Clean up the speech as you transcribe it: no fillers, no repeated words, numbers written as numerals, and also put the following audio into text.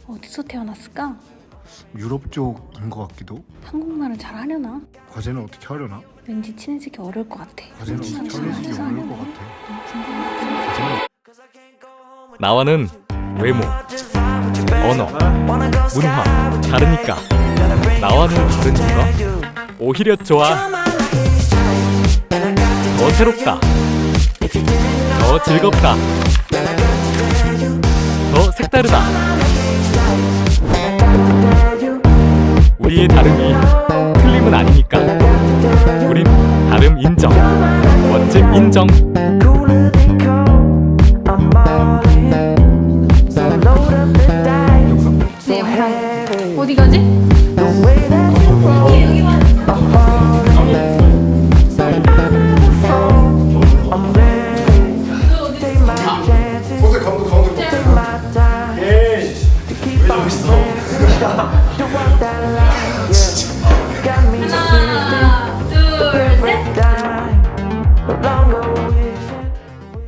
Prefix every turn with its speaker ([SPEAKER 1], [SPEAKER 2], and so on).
[SPEAKER 1] 어디서 태어났을까?
[SPEAKER 2] 유럽 쪽인 것 같기도.
[SPEAKER 1] 한국말을 잘 하려나?
[SPEAKER 2] 과제는 어떻게 하려나?
[SPEAKER 1] 왠지 친해지기 어려울 것 같아.
[SPEAKER 2] 과제는 어떻게 하려지 어려울 것 같아.
[SPEAKER 1] 궁금해.
[SPEAKER 3] 나와는 외모, 언어, 문화 다르니까 나와는 다르니까 오히려 좋아. 더 새롭다, 더 즐겁다, 더 색다르다. 우리의 다름이 틀림은 아니니까 우린 다름 인정, 멋짐 인정.
[SPEAKER 1] 네, 영상 어디 가지?
[SPEAKER 2] 선생 가운데 에이 왜 저기 있어?
[SPEAKER 1] 하나